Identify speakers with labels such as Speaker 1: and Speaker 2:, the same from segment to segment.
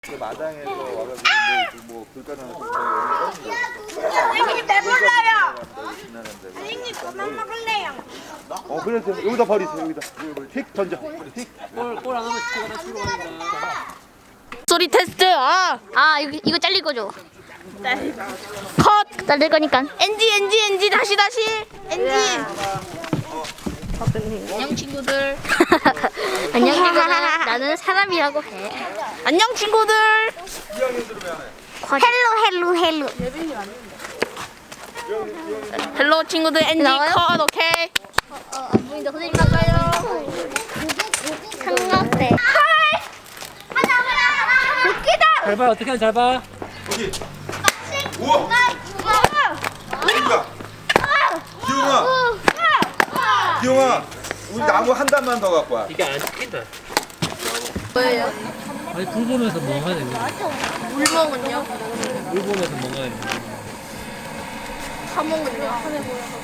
Speaker 1: 마당에서 와가지고 뭐 불가능한
Speaker 2: 선생님 배불러요. 선생님 그만 먹을래요.
Speaker 1: 그래서 여기다 버리세요. 여기다 휙 던져.
Speaker 3: 골 안 하면 시켜가다 뒤로 간다.
Speaker 4: 소리 테스트. 이거 잘릴 거죠? 컷. 잘릴 거니까.
Speaker 2: NG 다시 NG.
Speaker 4: 안녕 친구들. 안녕 친구들. 나는 사람이라고 해.
Speaker 2: 안녕 친구들. 헬로. 헬로 친구들 NG
Speaker 4: 나와요?
Speaker 2: 컷 오케이.
Speaker 4: 안 보인다. 선생님 가까요. 삼각대.
Speaker 2: 웃기다.
Speaker 3: 잘 봐, 어떻게 하면 잘 봐.
Speaker 1: 여기. 우와. 기용아, 우리 나무 한 단만 더 갖고 와.
Speaker 3: 이게 안 찍힌다. 뭐예요? 아니, 불 보면서 뭐 하네.
Speaker 2: 물 먹은요?
Speaker 3: 불 보면서 뭐 하네.
Speaker 2: 사먹은요?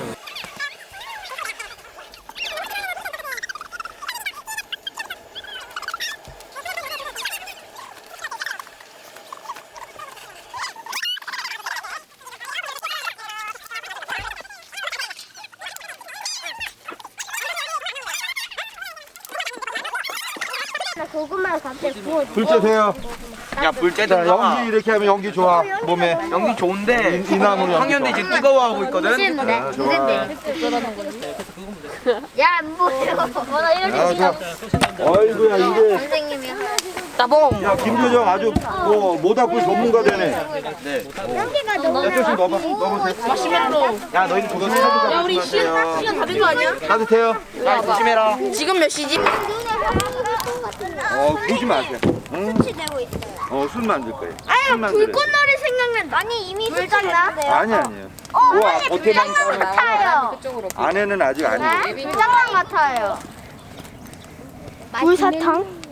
Speaker 4: 고구마 갑자기 구워.
Speaker 1: 불 쬐세요.
Speaker 5: 야, 불
Speaker 1: 자,
Speaker 5: 쬐든가.
Speaker 1: 연기 이렇게 하면 연기 좋아. 몸에.
Speaker 5: 연기 좋은데
Speaker 1: 이 나무는 연기
Speaker 5: 학년들이
Speaker 1: 좋아.
Speaker 5: 지금 뜨거워하고 있거든.
Speaker 4: 싫은데?
Speaker 1: 아, 좋아.
Speaker 4: 야, 뭐야? 나 이럴 때
Speaker 1: 자, 어이구야 이게.
Speaker 4: 선생님이야.
Speaker 2: 따봉.
Speaker 1: 야 김효정 아주 뭐 모닥불 전문가 되네.
Speaker 5: 네.
Speaker 4: 연기가 너무
Speaker 1: 야, 조금 넣어보세요.
Speaker 2: 마시멜로.
Speaker 5: 야, 너희 그거 사주자.
Speaker 2: 야 우리 시간 다 된 거 아니야?
Speaker 1: 따뜻해요.
Speaker 5: 야, 조심해라.
Speaker 2: 지금 몇 시지?
Speaker 1: 보지 마세요. 응?
Speaker 4: 되고 있어요.
Speaker 1: 술 만들 거예요.
Speaker 2: 아유
Speaker 1: 술 만들어요.
Speaker 2: 불꽃놀이 생각나.
Speaker 4: 아니 이미 불장나?
Speaker 1: 아니에요. 우와, 겉에만
Speaker 4: 불장난
Speaker 1: 까면
Speaker 4: 같아요.
Speaker 1: 안에는 아직 아니에요.
Speaker 4: 불장난 같아요. 불사탕?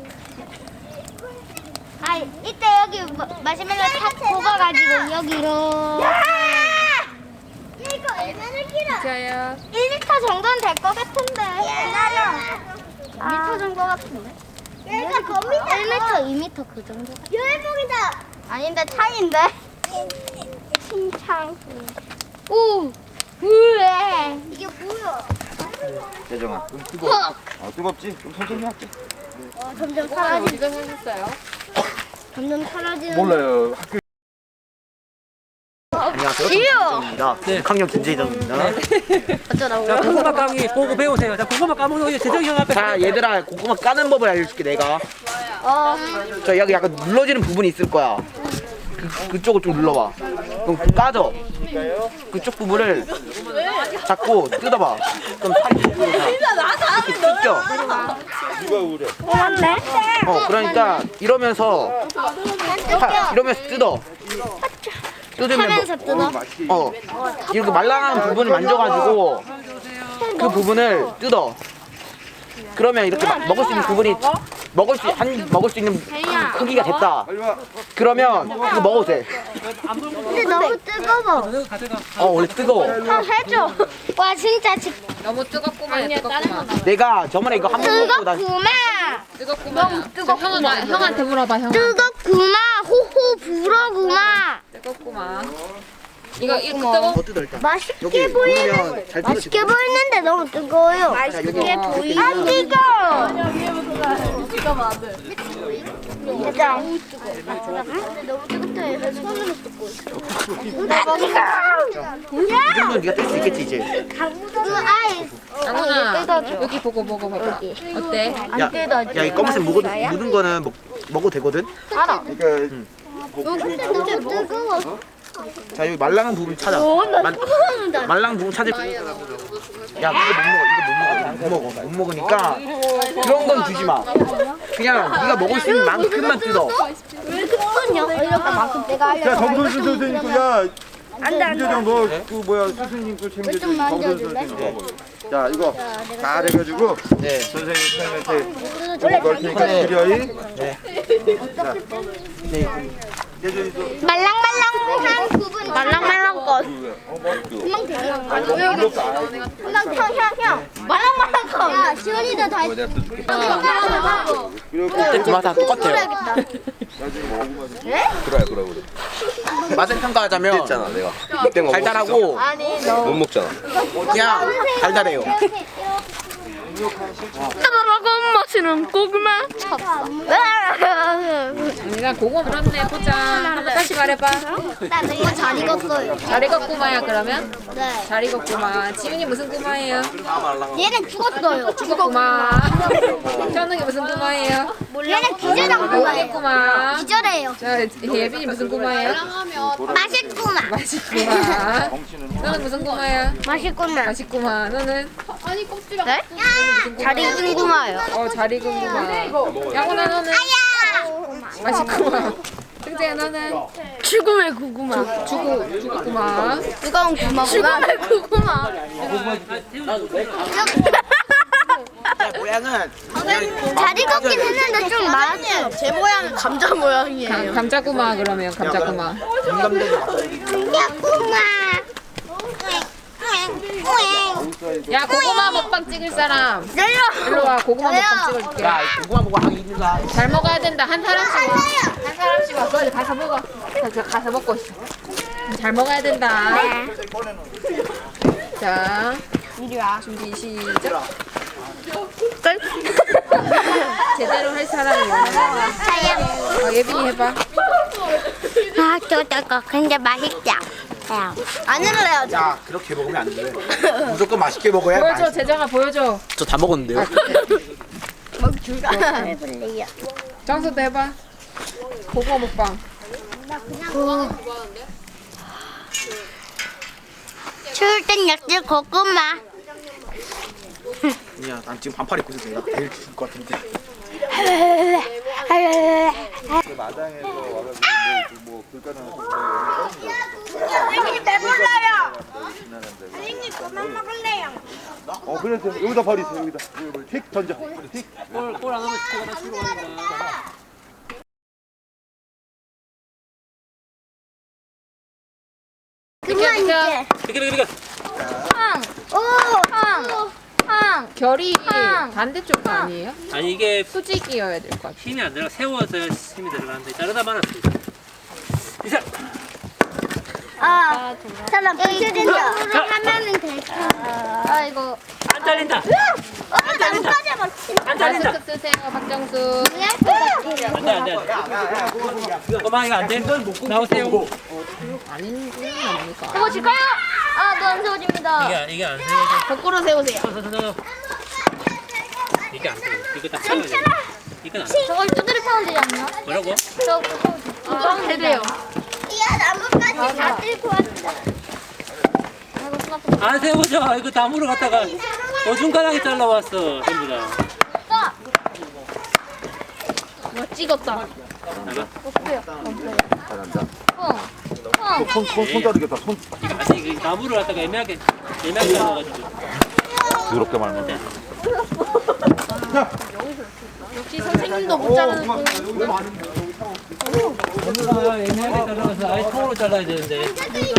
Speaker 4: 아 이때 여기 마시멜로 탁 볶아가지고 여기 이렇게. 야 이거 얼마나 길어?
Speaker 2: 자야.
Speaker 4: 1m 정도는 될 것 같은데. 기다려. 2m 정도 같은데. 얘가 겁니다. 1m, 2m 그 정도. 열봉이다. 아닌데 차인데. 신창. 오. 으에. 이게 뭐야?
Speaker 1: 재정아, 좀 뜨거워. 뜨겁지? 좀 천천히 할게.
Speaker 4: 점점 사라지. 점점 사라지는.
Speaker 1: 몰라요. 학교
Speaker 5: 안녕하세요. 김재정입니다.
Speaker 3: 네.
Speaker 5: 6학년 김재정입니다.
Speaker 3: 자, 고구마 까기 보고 배우세요. 자, 고구마 까먹는 거 재정이 형 앞에.
Speaker 5: 자, 얘들아, 고구마 까는 법을 알려줄게, 내가. 자, 여기 약간 눌러지는 부분이 있을 거야. 그쪽을 좀 눌러봐. 그럼 까져. 그쪽 부분을 잡고 뜯어봐. 그럼 살이 이렇게 뜯겨.
Speaker 1: 누가 우려?
Speaker 4: 맞네.
Speaker 5: 그러니까 이러면서 뜯어. 뜯으면
Speaker 4: 하면서 뜯어.
Speaker 5: 이렇게 말랑한 부분을 만져가지고 그 부분을 뜯어. 그러면 이렇게 먹을 수 있는 부분이 먹을 수 있는 크기가 됐다.
Speaker 1: 빨리 와.
Speaker 5: 그러면 이거 먹어도 돼.
Speaker 4: 근데 너무 뜨거워.
Speaker 5: 원래 뜨거워.
Speaker 4: 해줘. 와 진짜
Speaker 2: 너무 뜨겁구만. 뜨겁구만.
Speaker 5: 내가 저번에 이거 한 번 먹고 난
Speaker 4: 뜨겁구만.
Speaker 2: 뜨겁구만. 형한테 물어봐 형.
Speaker 4: 뜨겁구마. 호호 불어구마.
Speaker 2: 뜨겁구만. 이거 뜨거?
Speaker 5: 더 뜯어 일단.
Speaker 4: 맛있게
Speaker 5: 여기
Speaker 4: 보이는.
Speaker 5: 보면 잘
Speaker 4: 맛있게
Speaker 5: 뜯어지거든.
Speaker 4: 보이는데 너무 뜨거워요.
Speaker 5: 맛있게
Speaker 4: 보이는. 안 뜨거워. 진짜. 근데 너무 뜨겁다. 그래서 손으로 뜯고 있어.
Speaker 5: 이 정도는 네가 뜰 수 있겠지 이제.
Speaker 4: 그 아이스.
Speaker 2: 장훈아 여기 보고 먹어봐봐. 어때?
Speaker 5: 야, 이 검은색 묻은 거는 먹어도 되거든.
Speaker 4: 알아.
Speaker 1: 그러니까
Speaker 4: 근데 너무 뜨거워.
Speaker 5: 자, 여기 말랑한 부분 찾아. 말랑한 부분 찾을. 야, 이거 못 먹어. 못 먹으니까 그런 건 주지 마. 그냥 네가 먹을 수 있는 만큼만 뜯어.
Speaker 4: 왜 그러냐? 이렇게 만큼 내가
Speaker 1: 야 정선수
Speaker 4: 알려줘.
Speaker 1: 선생님 거야.
Speaker 4: 안돼
Speaker 1: 김재정 너그 뭐야 스승님 거 챙겨줘.
Speaker 4: 좀 만져줄래?
Speaker 1: 정선수 선생님 거. 자 이거 잘 해가지고
Speaker 5: 네.
Speaker 1: 선생님한테 넣을 테니까 기려이.
Speaker 5: 네. 자, 네.
Speaker 4: 말랑말랑한 부분. 말랑말랑 것. 금방 되잖아. 금방 형. 말랑말랑 것. 야, 시원이도 다 했어.
Speaker 5: 맛 다 똑같아요.
Speaker 1: 그래.
Speaker 5: 맛을 평가하자면
Speaker 1: 했잖아 내가. 이때 뭐
Speaker 5: 달달하고
Speaker 1: 못 먹잖아.
Speaker 5: 그냥 달달해요.
Speaker 4: 먹은 맛이는 고구마.
Speaker 2: 언니가 고구마 그렇네 보자. 한번 다시 말해봐.
Speaker 4: 나 이거 잘 익었어요.
Speaker 2: 잘 익었구마야 그러면?
Speaker 4: 네.
Speaker 2: 잘 익었구마. 지훈이 무슨 구마예요?
Speaker 4: 얘는 죽었어요.
Speaker 2: 죽었구마. 현웅이 무슨 구마예요?
Speaker 4: 얘는 기절한 거예요.
Speaker 2: 모르겠구마.
Speaker 4: 기절해요.
Speaker 2: 자 예빈이 무슨 구마예요?
Speaker 4: 맛있구나.
Speaker 2: 맛있구마. 너는 무슨 구마야?
Speaker 4: 맛있구나.
Speaker 2: 맛있구마. 너는?
Speaker 4: 네? 잘 익은 구마요.
Speaker 2: 잘 익은 구마. 양훈아 너는? 맛있구마. 승재야 너는?
Speaker 4: 죽음의 고구마.
Speaker 2: 죽었구마.
Speaker 4: 뜨거운 구마구나. 죽음의 고구마.
Speaker 5: 모양은
Speaker 4: 잘 익었긴 했는데 좀 많았어요. 제 모양은 감자 모양이에요.
Speaker 2: 감자구마 그러면 감자구마.
Speaker 4: 구마.
Speaker 2: 야 고구마 먹방 찍을 사람. 일로 와 고구마 먹방 찍어줄게.
Speaker 5: 야 고구마 먹고 하기 힘들다.
Speaker 2: 잘 먹어야 된다. 한 사람씩 와. 한 사람씩 와. 빨리 가서 먹어. 가서 먹고 있어. 잘 먹어야 된다. 자, 준비 시작. 제대로 할 사람이 원하는. 예빈이 해봐.
Speaker 4: 아, 저거 근데 맛있다. 안 흘러요.
Speaker 5: 야 그렇게 먹으면 안 돼. 무조건 맛있게 먹어야
Speaker 2: 보여줘,
Speaker 5: 맛있어.
Speaker 2: 재정아 보여줘.
Speaker 5: 저 다 먹었는데요.
Speaker 4: 해볼래요.
Speaker 2: 정수도 해봐. 고구마 먹방.
Speaker 4: 추울 땐 역시 고구마.
Speaker 5: 야, 난 지금 반팔 입고 있어서 내가 제일 죽을 것 같은데.
Speaker 1: 마당에서 와가지고 뭐 불가능한
Speaker 4: 선생님 배불러요.
Speaker 1: 선생님
Speaker 4: 그만 먹을래요.
Speaker 1: 그래 여기다 버리세요 여기다. 틱 던져. 틱.
Speaker 3: 골안 하면 시켜가다 치러 가는 거야.
Speaker 4: 그만 이제.
Speaker 3: 비켜.
Speaker 2: 결이 반대쪽 아니에요?
Speaker 3: 아니 이게
Speaker 2: 수직이어야 될 것 같아.
Speaker 3: 힘이 안 들어가 세워서 힘이 들어가는데 자르다 말았습니다. 이상.
Speaker 4: 사람 부셔진다. 하면은 될 텐데. 이거.
Speaker 3: 안 잘린다.
Speaker 4: 나뭇가지
Speaker 3: 안 잘린다.
Speaker 2: 마스크 쓰세요, 박정수.
Speaker 3: 안돼. 그만 이거 안 돼. 나오세요.
Speaker 2: 아닌 건 아닙니까?
Speaker 4: 세워질까요? 너안 세워집니다.
Speaker 3: 이게 안 세워져.
Speaker 4: 거꾸로 세우세요.
Speaker 3: 이게 안 세워. 이거 딱 세워야 돼. 이건 안 돼.
Speaker 4: 저걸 두드려 파면 되지 않나?
Speaker 3: 뭐라고?
Speaker 4: 저 구멍 되래요. 야 나뭇가지 다 들고 왔다.
Speaker 3: 안 세워져. 이거 나무를 갖다가 어중간하게 잘라왔어. 전부 다.
Speaker 4: 찍었다.
Speaker 1: 잘한다. 손 자르겠다. 손
Speaker 3: 아니 이게 나무를 갖다가 애매하게 잘라가지고.
Speaker 1: 그렇게 말면.
Speaker 2: 역시 선생님도 못 자르는 거.
Speaker 3: 애매하게 잘라서 아예 통으로 잘라야 되는데.